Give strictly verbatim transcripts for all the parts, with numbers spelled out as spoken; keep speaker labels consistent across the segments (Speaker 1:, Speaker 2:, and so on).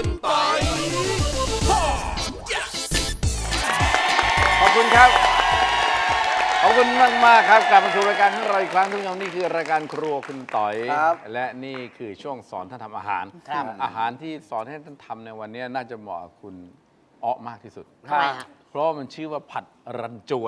Speaker 1: คุณปอย
Speaker 2: ขอบคุณครับขอบคุณมากมากครับกลับมาสู่รายการของเราอีกครั้งทุกท่านนี่คือรายการครัวคุณต่อยและนี่คือช่วงสอนท่านทำอาหารอาหารที่สอนให้ท่านทำในวันนี้น่าจะเหมาะกับคุณอ๊อมากที่สุด
Speaker 3: ทำไมฮะ
Speaker 2: เพราะมันชื่อว่าผัดรันจวน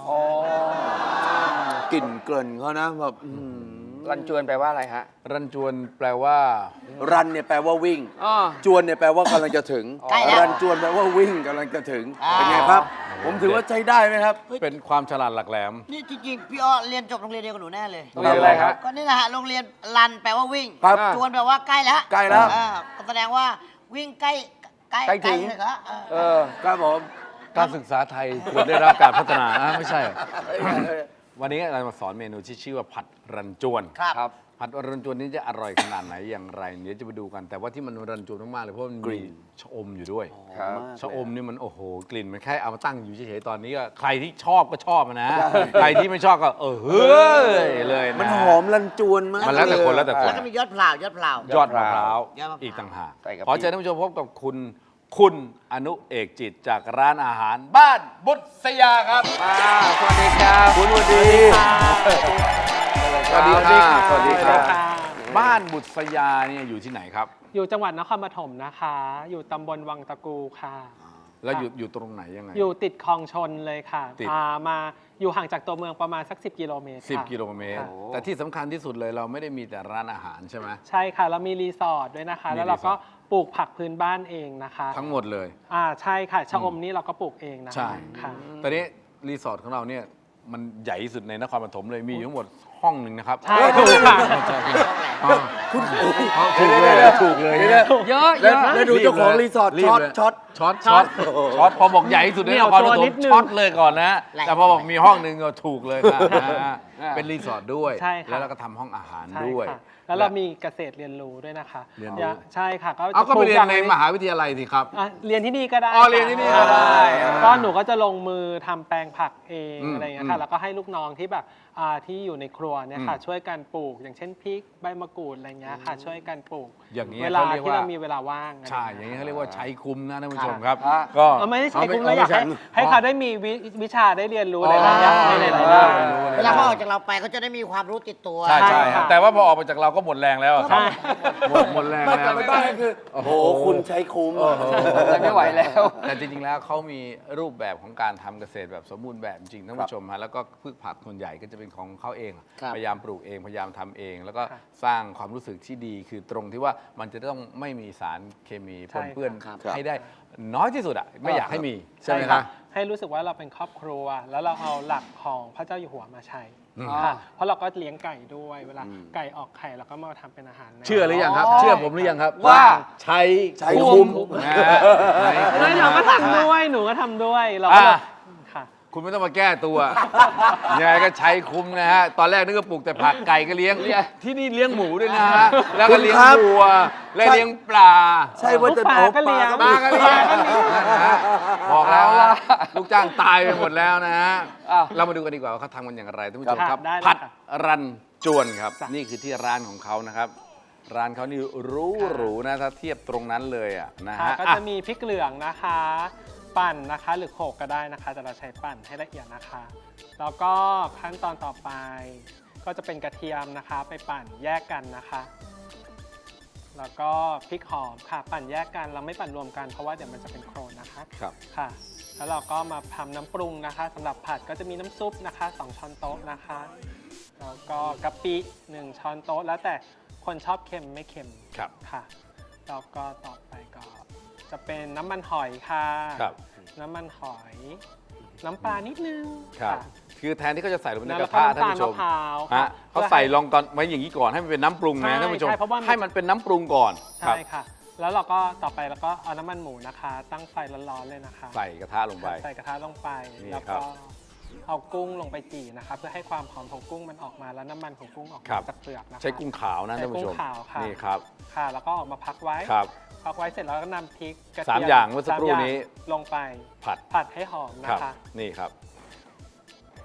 Speaker 1: กลิ่นเกลิ่นเขานะแบบ
Speaker 4: รันจวนแปลว่าอะไรฮะ
Speaker 2: รันจวนแปลว่า
Speaker 1: รันเนี่ยแปลว่าวิ่ง
Speaker 4: อ๋อ
Speaker 1: จวนเนี่ยแปลว่ากำลังจะถึง
Speaker 3: ใกล้แล้ว
Speaker 1: รันจวนแปลว่าวิ่งกำลังจะถึง เป็นไงครับ ผมถือว่าใช้ได้ไหมครับ
Speaker 2: เป็นความฉลาดหลักแหลม
Speaker 3: นี่จริงๆพี่อ้อเรียนจบโรงเรียนเดียวกับหนูแน่เลย
Speaker 4: โรงเรียนอะไรครับ
Speaker 3: ก็นี่แหละฮะโรงเรียนรันแปลว่าวิ่ง
Speaker 1: ครับ
Speaker 3: จวนแปลว่าใกล้แล้ว
Speaker 1: ใกล้แล้ว
Speaker 3: อ่าก็แสดงว่าวิ่งใกล้ใกล้
Speaker 4: ใกล้ถึง
Speaker 3: เลยเหรอเออ
Speaker 4: เออ
Speaker 1: ครับผม
Speaker 2: การศึกษาไทยควรได้รับการพัฒนาอ่ะไม่ใช่เหรอวันนี้เรามาสอนเมนูที่ชื่อว่าผัดรันจวน
Speaker 3: ครับ
Speaker 4: ครับ
Speaker 2: ผัดรันจวนนี้จะอร่อยขนาดไหนอย่างไรเดี๋ยวจะไปดูกัน แต่ว่าที่มันรันจวนมากๆเลยเพราะมันมีชะอมอยู่ด้วย
Speaker 4: ครับ
Speaker 2: ชะอมนี่มันโอ้โหกลิ่นมันแค่เอามาตั้งอยู่เฉยๆตอนนี้ก็ใครที่ชอบก็ชอบนะ ใครที่ไม่ชอบก็เออเฮ้ยเลยนะ
Speaker 1: มันหอมรันจวนมาก
Speaker 2: มันแล้วแต่คนแล้วแต่คน
Speaker 3: แล้วก็มียอดเปล่ายอดเปล่าย
Speaker 2: อดมะพร้าว
Speaker 3: ยอดมะพร้าว
Speaker 2: อีกต่างหาก
Speaker 4: ใส่กะปิ
Speaker 2: ขอเชิญท่านผู้ชมพบกับคุณคุณอนุเอกจิตจากร้านอาหารบ้านบุษยาครับ
Speaker 4: มาสวัสดีครับ
Speaker 1: คุณวันดี
Speaker 2: สวัสดีค่ะ
Speaker 4: สวัสดีครับ
Speaker 2: บ้านบุษยาเนี่ยอยู่ที่ไหนครับ
Speaker 5: อยู่จังหวัดนครปฐมนะคะ อยู่ตำบลวังตะกูค่ะ
Speaker 2: แล้วอยู่อยู่ตรงไหนยังไง
Speaker 5: อยู่ติดคลองชนเลยค่ะ
Speaker 2: ติด
Speaker 5: อ่ามาอยู่ห่างจากตัวเมืองประมาณสัก สิบ กิโลเมตร
Speaker 2: สิบ
Speaker 5: ค่ะ
Speaker 2: กิโลเมตร
Speaker 5: ค่ะ
Speaker 2: แต่ที่สำคัญที่สุดเลยเราไม่ได้มีแต่ร้านอาหารใช่ไหม
Speaker 5: ใช่ค่ะแล้วมีรีสอร์ทด้วยนะคะ
Speaker 2: มี
Speaker 5: แล้วเรา
Speaker 2: รีสอ
Speaker 5: ก็
Speaker 2: ร์ท
Speaker 5: ปลูกผักพื้นบ้านเองนะคะ
Speaker 2: ทั้งหมดเลย
Speaker 5: อ่าใช่ค่ะชะอม
Speaker 2: อืม
Speaker 5: นี่เราก็ปลูกเองนะ
Speaker 2: ใช่
Speaker 5: ค่ะ
Speaker 2: ตอนนี้รีสอร์ทของเราเนี่ยมันใหญ่ที่สุดในนครปฐมเลยมีอยู่ทั้งหมดห้องหนึ่งนะครับ
Speaker 5: ใช่ถูกค่ะ
Speaker 2: ถูกเลยถูกเลย
Speaker 4: เยอะเย
Speaker 1: แล้ว
Speaker 4: อะ
Speaker 1: แล้วดูเจ้าของรีสอร์ท
Speaker 2: รีบ
Speaker 1: ช็อต
Speaker 2: เลย
Speaker 1: ช็อต
Speaker 2: ช็อตช็อตช็อตพอบอกใหญ่ที่สุดใน
Speaker 5: เหนี
Speaker 2: น
Speaker 5: ยว
Speaker 2: ครป
Speaker 5: ตัว
Speaker 2: ฐ
Speaker 5: นิ
Speaker 2: ม
Speaker 5: ดนึง
Speaker 2: ช็อตเลยก่อนนะ
Speaker 3: แหละ
Speaker 2: แต่พอบอกมีห้องหนึ่งก็ถูกเลยค่ะนะฮะ
Speaker 4: อ่า
Speaker 2: เป็นรีสอร์ทด้วย
Speaker 5: ใช่ค่ะ
Speaker 2: แล้วเราก็ทำห้องอาหาร
Speaker 5: ใช่
Speaker 2: ด้วย
Speaker 5: ค่ะแล้วเรามีเกษตรเรียนรู้ด้วยนะคะ
Speaker 2: เรียนรู้
Speaker 5: อย่าใช่ค่ะก็
Speaker 2: เอาก็ไปเรียนใน
Speaker 5: ปลูก
Speaker 2: มหาวิทยาลัยสิครับ
Speaker 5: อ่ะเรียนที่นี่ก็ได้
Speaker 2: อ๋อเรียนที่นี่ก็ได้
Speaker 5: ค่ะก็หนูก็จะลงมือทำแปลงผักเอง
Speaker 2: อืม
Speaker 5: อะไรอย่างเงี้ย
Speaker 2: อื
Speaker 5: ค่ะ
Speaker 2: ม
Speaker 5: แล้วก็ให้ลูกน้องที่แบบอ่าที่อยู่ในครัวเนี่ยค่ะ
Speaker 2: อืม
Speaker 5: ช่วยกันปลูก อย่างเช่นพริกใบมะกรูดอะไรเงี้ยค่ะช่วยกันปลูก
Speaker 2: อย่างนี้
Speaker 5: เวลา
Speaker 2: เขาเรียก
Speaker 5: ที่
Speaker 2: ว่า
Speaker 5: เรามีเวลาว่างะไร
Speaker 2: ใช่ อย่างนี้เขาเรียกว่าใช้คุ้มนะท่านผู้ชม
Speaker 5: ค่ะ
Speaker 2: ครับ
Speaker 4: ค่ะ
Speaker 2: ก็
Speaker 5: เออไม่ได้ใช้คุ้มแล้วอยากให้
Speaker 2: เไม่
Speaker 5: ให้เขาได้มีวิวิชาได้เรียนรู้หลายๆอย่างในหลายๆด้าน
Speaker 3: เวลาเขาออกจากเราไปเขาจะได้มีความรู้ติดตัว
Speaker 2: ใช่ใช่
Speaker 5: ใช่ค่ะ
Speaker 2: แต่ว่าพอออกมาจากเราก็หมดแรงแล้วอะครับ
Speaker 5: ใช่
Speaker 2: หมดหมดแรง
Speaker 1: ไม่
Speaker 2: แล้
Speaker 1: กลับ
Speaker 2: ว
Speaker 1: ไปบ้านก็คือโอ้โหคุณใช้คุ้ม
Speaker 4: เลยไม่ไหวแล้ว
Speaker 2: แต่จริงๆ แล้วเขามีรูปแบบของการทำเกษตรแบบสมบูรณ์แบบจริงๆท่านผู้ชมฮะแล้วก็พืชผักส่วนใหญ่ก็จะเป็นของเขาเอง
Speaker 3: ครับ
Speaker 2: พยายามปลูกเองพยายามทำเอง แล้วก็
Speaker 5: ครับ
Speaker 2: สร้างความรู้สึกที่ดีคือตรงที่ว่ามันจะต้องไม่มีสารเคมีป
Speaker 5: ใช่
Speaker 2: นเปื้อน
Speaker 3: ครับ
Speaker 2: ให้ได้น้อยที่สุดอ่ะไม่อยากให้มีใช่ไหมครับ
Speaker 5: ให้รู้สึกว่าเราเป็นครอบครัว แล้วเราเอาหลักของพระเจ้าอยู่หัวมาใช้
Speaker 2: อืม
Speaker 5: ค่ะเพราะเราก็เลี้ยงไก่ด้วยเวลาไก่ออกไข่เราก็มาทำเป็นอาหารนะ
Speaker 2: เชื่อหรือยังครับ เชื่อผมหรือยังครับ
Speaker 4: ว่า
Speaker 2: ใช้
Speaker 1: ใช้คุ้ม
Speaker 2: นะฮะใช้คุ้
Speaker 5: ไม่หนูก็ทำด้วยหนูก็ทำด้วยเราก็
Speaker 2: อ่ะ
Speaker 5: ค่ะ
Speaker 2: คุณไม่ต้องมาแก้ตัว ยังไงก็ใช้คุ้มนะฮะ ตอนแรกนึกว่าปลูกแต่ผักไก่ก็เลี้ยง ที่นี่เลี้ยงหมูด้วยนะฮะ แล้วก็เลี้ยง
Speaker 1: คุณครับ
Speaker 2: วัว และเลี้ยงปลา
Speaker 1: ใช่ว่าจะ
Speaker 5: ปลา
Speaker 1: เอา
Speaker 5: ก็เลี้ยง
Speaker 2: ปลาก็เลี้ยงนะฮะบอกแล้วว่าลูกจ้างตายไปหมดแล้วนะฮะ
Speaker 4: อ้าว
Speaker 2: เรามาดูกันดีกว่าว่าเขาทำกันอย่างไรท่านผู้ชม
Speaker 5: ครับ
Speaker 2: ครับ
Speaker 5: ได้เลย
Speaker 2: ผัด
Speaker 5: ค่ะ
Speaker 2: รันจวนครับ
Speaker 5: จ้ะ
Speaker 2: นี่คือที่ร้านของเขานะครับ ร้านเขานี่หรูหรูนะถ้าเทียบตรงนั้นเลยอ่ะนะ
Speaker 5: ค่ะ
Speaker 2: ฮะ
Speaker 5: ก็
Speaker 2: อ่ะ
Speaker 5: จะมีพริกเหลืองนะคะ ปั่นนะคะหรือโขลกก็ได้นะคะแต่เราใช้ปั่นให้ละเอียดนะคะ แล้วก็ขั้นตอนต่อไป ก็จะเป็นกระเทียมนะคะ ไปปั่นแยกกันนะคะ แล้วก็พริกหอมค่ะปั่นแยกกันเราไม่ปั่นรวมกันเพราะว่าเดี๋ยวมันจะเป็นโครนนะคะ
Speaker 2: ครับ
Speaker 5: ค่ะ แล้วเราก็มาทำน้ำปรุงนะคะสำหรับผัดก็จะมีน้ำซุปนะคะสองช้อนโต๊ะนะคะ แล้วก็กะปิหนึ่งช้อนโต๊ะแล้วแต่คนชอบเค็มไม่เค็ม
Speaker 2: ครับ
Speaker 5: ค่ะ แล้วก็ต่อไปก็จะเป็นน้ำมันหอยค่ะ
Speaker 2: ครับ
Speaker 5: น้ำมันหอย น้ำปลานิดนึง
Speaker 2: ครับ
Speaker 5: ค่ะ
Speaker 2: คือแทนที่เขาจะใส่ลงไปใน
Speaker 5: แล้ว
Speaker 2: กระ
Speaker 5: ก็
Speaker 2: ทะ
Speaker 5: น้ำ
Speaker 2: ท่าน
Speaker 5: ตาล
Speaker 2: ผู้ช
Speaker 5: มะ
Speaker 2: ม
Speaker 5: พร้าว
Speaker 2: ฮะเขาใส่ลองก่อนไว้อย่างนี้ก่อนให้มันเป็นน้ำปรุงนะ
Speaker 5: ใช่
Speaker 2: ท่านผู้ชม
Speaker 5: ใช่เพราะว่ามัน
Speaker 2: ให้มันเป็นน้ำปรุงก่อน
Speaker 5: ใช่ค่ะ แล้วเราก็ต่อไปเราก็เอาน้ำมันหมูนะคะ ตั้งไฟร้อนๆเลยนะคะ
Speaker 2: ใส่กระทะลงไป
Speaker 5: ใส่กระทะลงไป
Speaker 2: นี่
Speaker 5: แล้ว
Speaker 2: ครั
Speaker 5: ก็
Speaker 2: บ
Speaker 5: เอากุ้งลงไปจี่นะคะ เพื่อให้ความหอมของกุ้งมันออกมาแล้วน้ำมันของกุ้งออก
Speaker 2: ครั
Speaker 5: มา
Speaker 2: บ
Speaker 5: จากเปลือกนะคะ
Speaker 2: ใช้กุ้งขาวนะ
Speaker 5: ใช้
Speaker 2: ท่านผู้ชม
Speaker 5: กุ้งขาวค่ะ
Speaker 2: นี่ครับ
Speaker 5: ค่ะ แล้วก็ออกมาพักไว้
Speaker 2: ครับ
Speaker 5: พักไว้เสร็จแล้วก็นำพริกกระเที
Speaker 2: สาม
Speaker 5: ม
Speaker 2: อย่างเมื่อสักครู่
Speaker 5: สามย่าง
Speaker 2: นี้
Speaker 5: ลงไป
Speaker 2: ผัด
Speaker 5: ผัดให้หอม
Speaker 2: ค
Speaker 5: นะ
Speaker 2: รับ
Speaker 5: คะ
Speaker 2: นี่ครับ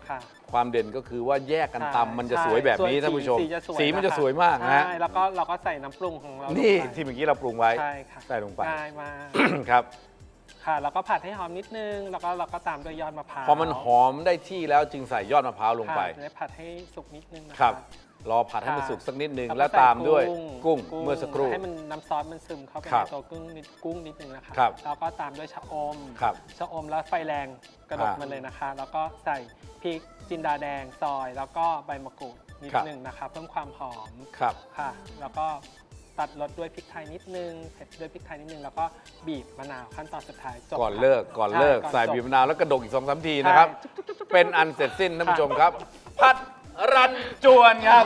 Speaker 5: ค่ะ
Speaker 2: ความเด่นก็คือว่าแยกกัน
Speaker 5: ใช่
Speaker 2: ตำมันจะสวยแบบนี้
Speaker 5: ใช่
Speaker 2: ท่านผู้ชม
Speaker 5: สีจะสวย
Speaker 2: สีมันจะ
Speaker 5: นะคะ
Speaker 2: สวยมากนะฮะ
Speaker 5: ใช่แล้วก็เราก็ใส่น้ำปรุงของเราลง
Speaker 2: นี่
Speaker 5: ไป
Speaker 2: ที่เมื่อกี้เราปรุงไว้
Speaker 5: ใช่ค่ะ
Speaker 2: ใส่ลงไป
Speaker 5: ง่ายมาก
Speaker 2: ครับ
Speaker 5: ค่ะแล้วก็ผัดให้หอมนิดนึง แล้วก็เราก็ตามด้วยยอดมะพร้าว
Speaker 2: พอมันหอมได้ที่แล้วจึงใส่ยอดมะพร้าวลงไป
Speaker 5: ค่ะแล้วผัดให้สุกนิดนึงนะะ
Speaker 2: ครับ รอผัดให้มันสุกสักนิดนึง
Speaker 5: ก็
Speaker 2: แล้ว
Speaker 5: ใส่
Speaker 2: ตามด้วยกุ้ง
Speaker 5: กุ้ง
Speaker 2: เมื่อสักครู่
Speaker 5: ให้มันน้ำซอสมันซึมเข้าไป
Speaker 2: ครั
Speaker 5: ใน
Speaker 2: บ
Speaker 5: ตัวกุ้งนิดกุ้งนิดนึงนะคะ
Speaker 2: ครับ
Speaker 5: แล้วก็ตามด้วยชะอม
Speaker 2: ครับ
Speaker 5: ชะอมแล้วไฟแรงกระดก
Speaker 2: อ่ามั
Speaker 5: มันเลยนะคะ แล้วก็ใส่พริกจินดาแดงซอย แล้วก็ใบมะกรูดนิด
Speaker 2: ครับ
Speaker 5: นึงนะคะเพิ่มความหอม
Speaker 2: ครับ
Speaker 5: ค่ะ แล้วก็ตัดรสด้วยพริกไทยนิดนึงเผ็ดด้วยพริกไทยนิดนึงแล้วก็บีบมะนาวขั้นตอนสุดท้ายจบ
Speaker 2: ก่อน
Speaker 5: ค่ะ
Speaker 2: เลิกก่อนเลิก
Speaker 5: ช่
Speaker 2: ใส่
Speaker 5: จ
Speaker 2: บีบมะนาวแล้วกระดกอีกสองสามทีนะครับ เป็นอันเสร็จสิ้นท่านผู้ชมครับ ผัดรันจวนครับ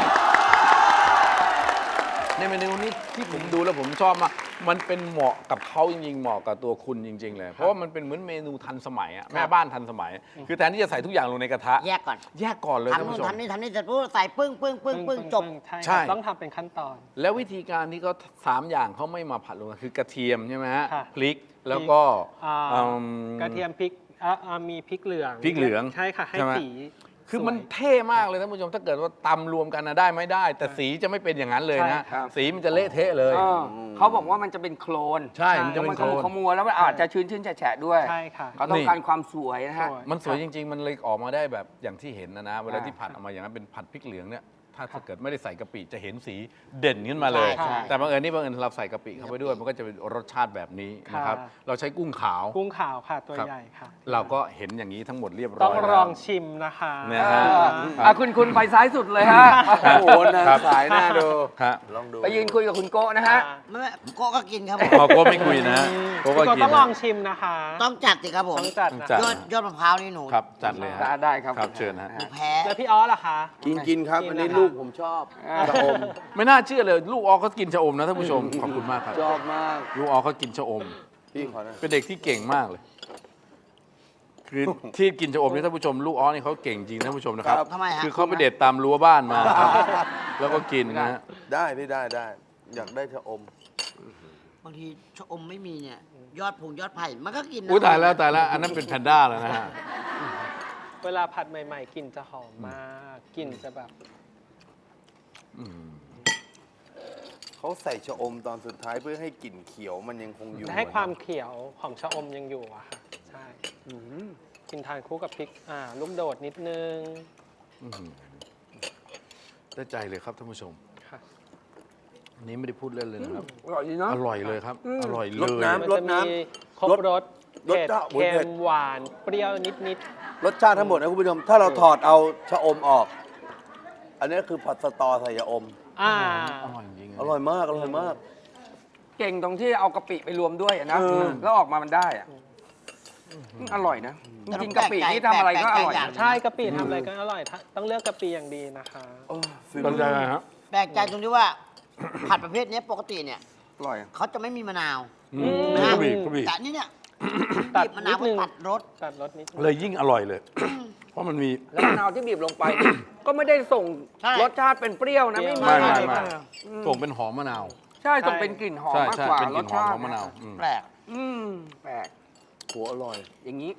Speaker 2: ในเมนูนี้ที่ผมดูแล้วผมชอบมากมันเป็นเหมาะกับเขาจริงๆ เหมาะกับตัวคุณจริง ๆ เลย เพราะว่ามันเป็นเหมือนเมนูทันสมัยอะแม่บ้านทันสมัย คือแทนที่จะใส่ทุกอย่างลงในกระทะ
Speaker 3: แยกก่อน
Speaker 2: แยกก่อนเลยท่าน
Speaker 3: ทำนู่
Speaker 2: ผู้
Speaker 3: น
Speaker 2: ชม
Speaker 3: ทำนี่ทำนี่เสร็จปุ๊บใส่ปึ้งปึ้งปึ้งปึ้งจบ
Speaker 5: ใช่
Speaker 2: ใช่
Speaker 5: ครับต้องทำเป็นขั้นตอน
Speaker 2: แล้ววิธีการที่เขาสามอย่างเขาไม่มาผัดลงกันคือกระเทียมใช่ไหมฮะ
Speaker 5: ค่ะ
Speaker 2: พริกแล้วก็
Speaker 5: อ่า
Speaker 2: อืม
Speaker 5: กระเทียมพริกอ่าอ่ามีพริกเหลือง
Speaker 2: พริกเหลือง
Speaker 5: ใช่ค่ะให้
Speaker 2: ใช่ไหม
Speaker 5: สี
Speaker 2: คือมัน
Speaker 5: สวย
Speaker 2: เท่มากเลยท่านผู้ชมถ้าเกิดว่าตำรวมกันนะได้ไม่ได้ แต่สีจะไม่เป็นอย่างนั้นเลยนะ
Speaker 5: ใช่ครับ
Speaker 2: สีมันจะเละเทะเลย
Speaker 4: เออเขาบอกว่ามันจะเป็นโคลน
Speaker 2: ใช่มันจะเป็น
Speaker 4: มัน
Speaker 2: โคลน
Speaker 4: ขมัวแล้วมันอาจจะชื้นชื้นๆแฉะๆด้วย
Speaker 5: ใช่ค่ะ
Speaker 4: เขาต้องการความสวยนะฮะ
Speaker 5: สวย
Speaker 2: มันสวยจริง ๆ มันเลยออกมาได้แบบอย่างที่เห็นนะนะ เวลา
Speaker 4: อ่า
Speaker 2: ที่ผัดออกมาอย่างนั้นเป็นผัดพริกเหลืองเนี่ยถ้าถ้าเกิดไม่ได้ใส่กะปิจะเห็นสีเด่นขึ้นมาเลย
Speaker 3: ใช่ใช่
Speaker 2: แต่บังเอิญนี่บังเอิญเราใส่กะปิเข้าไปด้วย มันก็จะเป็นรสชาติแบบนี้นะครับ
Speaker 5: ค่ะ
Speaker 2: เราใช้กุ้งขาว
Speaker 5: กุ้งขาวค่ะตัว
Speaker 2: ครับ
Speaker 5: ใหญ่ค่ะ
Speaker 2: เราก็เห็นอย่างนี้ทั้งหมดเรียบร้
Speaker 5: ต้
Speaker 2: อ
Speaker 5: อง
Speaker 2: ย
Speaker 5: ล
Speaker 2: แล้ว
Speaker 5: องชิมนะคะ
Speaker 2: นะฮะ
Speaker 4: อ่ะคุณคุณไปซ้ายสุดเลยฮะ
Speaker 1: โอ้โหนะสายหน้าดู
Speaker 2: ฮะ
Speaker 1: ลองดู
Speaker 4: ไปยืนคุยกับคุณโก้นะฮะ
Speaker 3: ไม่ไม่โก็ก็กินครับผม
Speaker 2: พอโก้ไม่คุยนะโก้ก็
Speaker 5: พี่โก้
Speaker 2: กิน
Speaker 5: ต้องล
Speaker 2: นะ
Speaker 5: องชิมนะคะ
Speaker 3: ต้องจัดสิครับผม
Speaker 5: ต้องจัดนะ
Speaker 2: จัด
Speaker 3: ยอดยอดมะพร้าวนี่หนู
Speaker 2: ครับจัดเลยฮะ
Speaker 4: ได้ได้ครับ
Speaker 2: ครับเชิญฮะ
Speaker 3: หนูแพ้
Speaker 5: แล้วพี่ออสล่ะคะ
Speaker 1: กินกินครับ
Speaker 5: กิน
Speaker 1: อันนี้
Speaker 5: นะคะ
Speaker 1: ลูกผมชอบชะอม
Speaker 2: ไม่น่าเชื่อเลยลูกออเขากินชะอมนะท่านผู้ชมขอบคุณมากครับ
Speaker 1: ชอบมาก
Speaker 2: ลูกออเขากินชะอม
Speaker 1: พี่ขอนะ
Speaker 2: เป็นเด็กที่เก่งมากเลย คือที่กินชะอมนี่ท่านผู้ชม ลูกออนี่เขาเก่งจริงท่านผู้ชมนะครับ
Speaker 3: ทำไมฮะ
Speaker 2: คือเขาไปเด็ดตามรั้วบ้านมาครับแล้วก็กินนะฮะ
Speaker 1: ได้พี่ได้ได้ อยากได้ชะอม
Speaker 3: บางทีชะอมไม่มีเนี่ย ยอดผงยอดไผ่มันก็กินนะ
Speaker 2: อุ้ยตายแล้วตายแล้วอันนั้นเป็นแพนด้าแล้วนะฮะ
Speaker 5: เวลาผัดใหม่ๆกลิ่นจะหอมมากกลิ่นจะแบบ
Speaker 2: อืม
Speaker 1: เขาใส่ชะอมตอนสุดท้ายเพื่อให้กลิ่นเขียวมันยังคงอยู่
Speaker 5: ให้ความเขียวของชะอมยังอยู่อะค่ะ ใช่กินทานคู่กับพริกอ่าลูกโดดนิดนึง
Speaker 2: อื้อหือได้ใจเลยครับท่านผู้ชม
Speaker 5: ค่ะ
Speaker 2: อันนี้ไม่ได้พูดเล่นเลยนะครับ
Speaker 4: อร่อยดีเนาะ
Speaker 2: อร่อยเลยครับ อร่อย
Speaker 1: ร
Speaker 2: เล
Speaker 1: ส
Speaker 2: ย
Speaker 1: น้ำ
Speaker 5: มัน
Speaker 1: ร
Speaker 5: จะ
Speaker 1: ส
Speaker 5: มี
Speaker 1: น้
Speaker 5: ครบรส
Speaker 1: รส
Speaker 5: เผ็ด
Speaker 1: จ้าอุ๊ย
Speaker 5: เค็
Speaker 1: เผ็
Speaker 5: ม
Speaker 1: ด
Speaker 5: หวานเปรี้ยวนิด
Speaker 1: ำรสชาติทั้งหมดนะคุณผู้ชม ถ้าเราถอดเอาชะอมออก อันนี้คือผัดสตอใส่ชะอม
Speaker 5: ๆอ่า
Speaker 2: อร่อยจริงๆ
Speaker 1: อร่อยมาก อร่อยมาก
Speaker 4: เก่งตรงที่เอากะปิไปรวมด้วยอะนะ
Speaker 1: เออ
Speaker 4: แล้วออกมามันได้อะอร่อยนะจริงๆกะปินี่ทำอะไรก็อร่อยนะ
Speaker 5: ใช่กะปิทำอะไรก็อร่อยถ้าต้องเลือกกะปิอย่างดีนะคะ
Speaker 1: โอ้ฟิล
Speaker 2: ตั้งใจเลยฮะ
Speaker 3: แปลกใจตรงที่ว่า ผัดประเภทเนี้ยปกติเนี่ย
Speaker 4: อร่อยอะ
Speaker 3: เขาจะไม่มีมะนาว
Speaker 2: อืม
Speaker 3: นะ
Speaker 2: กระบี่กระบี่
Speaker 3: แต่อันนี่เนี่ย
Speaker 5: ตัด
Speaker 3: บีบมะนาว
Speaker 5: นิดนึง
Speaker 3: ตัดรส
Speaker 5: ตัดรสนิดนึง
Speaker 2: เลยยิ่งอร่อยเลย เพราะมันมี
Speaker 4: แล้วมะนาวที่บีบลงไป ก็ไม่ได้ส่ง
Speaker 3: ใช่
Speaker 4: รสชาติเป็นเปรี้ยวนะไม่มี
Speaker 2: ไม่ไม่
Speaker 4: เลย
Speaker 2: ไม่
Speaker 4: ค่ะ
Speaker 2: ส่งเป็นหอมมะนาว
Speaker 4: ใช่ส่งเป็นกลิ่นหอม
Speaker 2: ใช่
Speaker 4: มาก
Speaker 2: ใช่
Speaker 4: กว่า
Speaker 2: เป็นก
Speaker 4: ร
Speaker 2: ลิ่
Speaker 4: ส
Speaker 2: นหอม
Speaker 4: ชาติ
Speaker 2: ของมะนาวอืม
Speaker 3: แปลก
Speaker 4: อืมแปลก
Speaker 1: หัวอร่อย
Speaker 4: อย่างนี้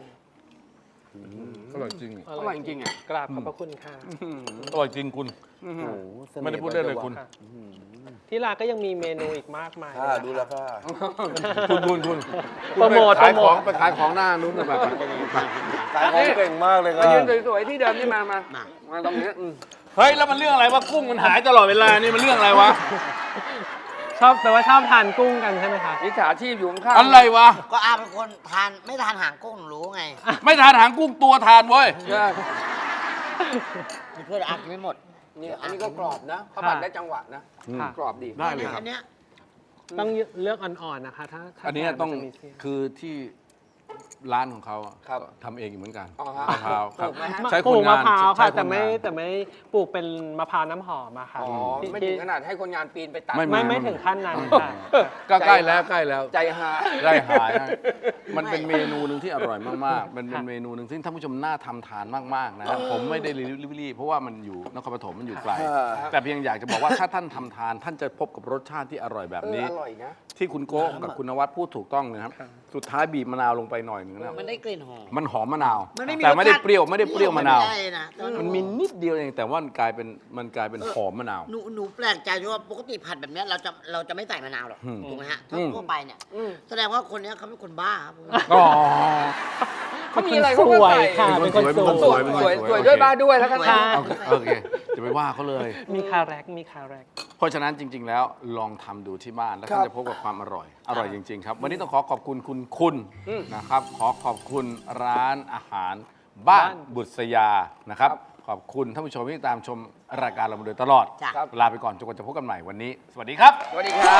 Speaker 2: อร่อยจริง
Speaker 4: อร่อยจริงๆอ่ะ
Speaker 5: กราบขอบพระคุณค่ะ
Speaker 2: อร่อยจริงคุณ
Speaker 4: อื้อหื
Speaker 1: โอ้
Speaker 4: อ
Speaker 1: โหสน่ห์
Speaker 2: ไม่ได้พูดเล่นเลยคุณ
Speaker 5: ค่ะ ที่ร้านก็ยังมีเมนูอีกมากมาย
Speaker 1: ค่ะ
Speaker 5: เลย
Speaker 1: ดู
Speaker 5: นะ
Speaker 1: แล้ว
Speaker 5: คะ
Speaker 1: ค่ะ
Speaker 2: คุณคุณคุณ
Speaker 5: โปรโมท
Speaker 2: ไปขาย
Speaker 5: โปร
Speaker 2: ข
Speaker 5: โม
Speaker 2: อง
Speaker 5: ท
Speaker 2: ไปขายของหน้านู้นนะแบบ
Speaker 1: ขายของเก่งมากเลยค
Speaker 4: มา
Speaker 1: รับ
Speaker 4: ยืนสวยๆที่เดิมนี่มามา
Speaker 3: มา
Speaker 4: มาตรงนี้อืม
Speaker 2: เฮ้ยแล้วมันเรื่องอะไรวะกุ้งมันหายตลอดเวลานี่มันเรื่องอะไรวะ
Speaker 5: ชอบแปลว่าชอบทานกุ้งกันใช่ไหมคะ
Speaker 4: มิจฉาชีพอยู่ข้างๆ
Speaker 2: อะไรวะ
Speaker 3: ก็อาเป็นคนทานไม่ทานหางกุ้งหนูรู้ไง
Speaker 2: ไม่ทานหางกุ้งตัวทานเว้ย
Speaker 4: ใช่
Speaker 3: มีเพื่อนอากินไม่หมด
Speaker 4: นี่อันนี้ก็กรอบนะเขาผัดได้จังหวะนะ
Speaker 5: ค่ะ
Speaker 4: กรอบดี
Speaker 2: ได้เลยครับ
Speaker 3: อันเนี้ย
Speaker 5: ต้องเลือกอ่อนๆนะคะ ถ้าถ้า
Speaker 2: อันนี้
Speaker 5: ทา
Speaker 2: ต้อง
Speaker 5: มัจะมีเสี้ยน
Speaker 2: คือที่ร้านของเขาอะ
Speaker 4: ครับ
Speaker 2: ทำเองเหมือนกัน
Speaker 4: อ๋อฮะ
Speaker 2: มะพร้าวครับ
Speaker 4: ปลูกไหมฮะ
Speaker 2: ใช้
Speaker 5: ป
Speaker 2: ค
Speaker 5: ลู
Speaker 2: น
Speaker 5: ก
Speaker 2: งาม
Speaker 5: ะ
Speaker 2: น
Speaker 5: พร้าว
Speaker 2: ใช้
Speaker 5: ค่ะ
Speaker 2: คน
Speaker 5: แต่ไม่
Speaker 2: งาน
Speaker 5: แต่ไม่ปลูกเป็นมะพร้าวน้ำหอมอะค่ะ
Speaker 4: อ๋อ
Speaker 5: ที่
Speaker 4: ไม่
Speaker 5: ที่
Speaker 4: ถึงขนาดให้คนงานปีนไปตัด
Speaker 2: ไม่
Speaker 5: ไม่ไม่ถึงขั้นนั้นค่ะ
Speaker 2: ก็ใกล้แล้วใกล้แล้ว
Speaker 4: ใจหา
Speaker 2: ได้หายฮะมันเป็นเมนูหนึ่งที่อร่อยมากๆ มันเป็นเมนูหนึ่งที่ท่านผู้ชมน่าทำทานมากๆนะครับผมไม่ได้รีบๆเพราะว่ามันอยู่นครปฐมมันอยู่ไกล แต่เพียงอยากจะบอกว่าถ้าท่านทำทาน ท่านจะพบกับรสชาติที่อร่อยแบบ
Speaker 4: เออ
Speaker 2: นี้
Speaker 4: อร่อยนะ
Speaker 2: ที่คุณโก้กับคุณนวัดพูดถูกต้องนะครับ สุดท้ายบีบมะนาวลงไปหน่อยหนึงนะ
Speaker 3: มันได้กลิ่นหอม
Speaker 2: มันหอมมะนาว
Speaker 3: มันไม่มี
Speaker 2: แต่ไม่ได้
Speaker 3: รสชาติ
Speaker 2: เปรี้ยวไม่ได้เปรี้ยวมะนาว
Speaker 3: ไได้นะแต่ว่า
Speaker 2: มันมีนิดเดียวเองแต่ว่ามันกลายเป็นมันกลายเป็นหอมมะนาว
Speaker 3: หนูหนูแปลกใจที่ว่าปกติผัดแบบเนี้ยเราจะเราจะไม่ใส่มะนาวหรอก
Speaker 2: อืม
Speaker 3: ถูกไหมฮะ
Speaker 2: อืม
Speaker 3: ทั่วไปเนี่ยแสดงว่าคนเนี้ยเขาเป็นคนบ้าครับผม
Speaker 2: อ๋อ
Speaker 4: เขามีอะไรเขาก็
Speaker 5: สวย
Speaker 4: ใส่
Speaker 5: ค่ะ
Speaker 2: เป็
Speaker 5: เป็น น
Speaker 2: ค
Speaker 5: คน น
Speaker 2: ส
Speaker 5: ส
Speaker 2: ว
Speaker 5: วย ย
Speaker 2: เป็นคน
Speaker 4: สวย
Speaker 2: สวย
Speaker 4: สวย
Speaker 2: โอเค
Speaker 4: ด้วยบ้าด้วยแล้วกัน
Speaker 3: ค่ะ
Speaker 2: โอเคโอเคจะไปว่าเขาเลย
Speaker 5: มีคาแรกมีคาแรก
Speaker 2: เพราะฉะนั้นจริง ๆ แล้วลองทำดูที่บ้านแล้วท่านจะพบกับความอร่อย อร่อยจริง ๆ ครับ วันนี้ต้องขอขอบคุณคุณคุณนะครับ ขอขอบคุณร้านอาหารบ้านบุษยานะครับ ขอบคุณท่านผู้ชมที่ตามชมรายการเรามาโดยตลอด
Speaker 3: จ้ะ
Speaker 2: ลาไปก่อนจนกว่าจะพบกันใหม่วันนี้ สวัสดีครับ
Speaker 4: สวัสดีครับ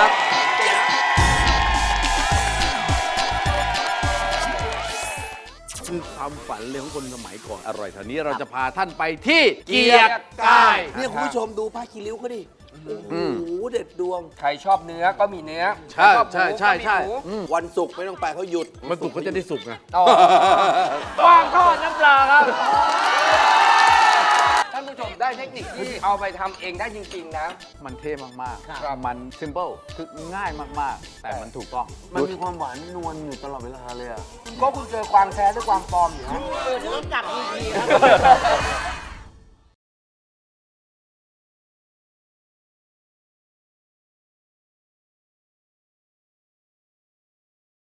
Speaker 2: คือความฝันเลยของคนสมัยก่อนอร่อยเท่านี้เราจะพาท่านไปที่เกียรติกาย
Speaker 1: เนี่ยคุณผู้ชมดูผ้าคีริ้วเขาดิโอ้โหเด็ดดวง
Speaker 4: ใครชอบเนื้อก็มีเนื้อ
Speaker 2: ใช่
Speaker 4: ชอบหมู
Speaker 2: ใช่ใช่ใช่
Speaker 4: ก็มีหมู
Speaker 2: อืม
Speaker 1: วันศุกร์ไม่ต้องไปเขาหยุด
Speaker 2: มันสุกเขาจะได้สุกไง
Speaker 4: อ๋อวางทอดน้ำปลาครับ ท่านผู้ชมได้เทคนิคที่เอาไปทำเองได้จริง ๆ นะ
Speaker 2: มันเท่มาก
Speaker 4: ครับ
Speaker 2: ๆ มันซิมเ l ิลคือง่ายมาก ๆ แต่มันถูกต้อง
Speaker 1: มันมีความหวานนวลอยู่ตลอดเวลาเลยอ่ะ
Speaker 4: ก็คุณเจอกวางแท้หรือกวางปลอมอยู่ฮะ
Speaker 3: เออจะต้องจับทีทีครับ